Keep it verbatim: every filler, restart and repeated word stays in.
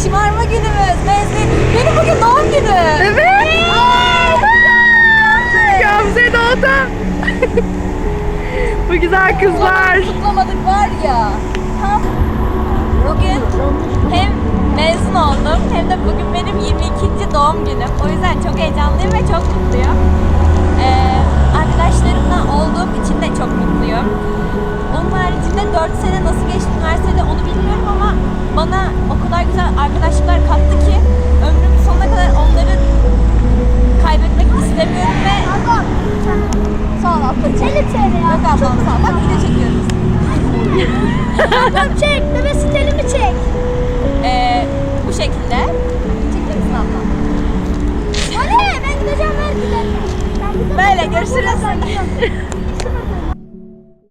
şımarma günümüz. Mezun. Benim bugün doğum günü. Evet. Gamze doğdu. Bu güzel kızlar. Kutlamadık var ya. Tam bugün hem mezun oldum hem de bugün benim yirmi ikinci doğum günüm. O yüzden çok heyecanlıyım ve çok mutluyum. Ee, arkadaşlarımla olduğum için de çok mutluyum. Onun haricinde dört sene nasıl geçti üniversitede onu bilmiyorum ama bana o kadar güzel arkadaşlıklar kattı ki ömrümün sonuna kadar onları kaybetmek istemiyorum ve sağ ol ablacığım. elli T L ya. Yok ablam sağ ol. Bak video çekiyoruz. Ablam çek, bebek sitelimi çek. Ee, bu şekilde. Çekilir misin ablam? Hadi ben gideceğim ver gidelim. Böyle görüşürüz.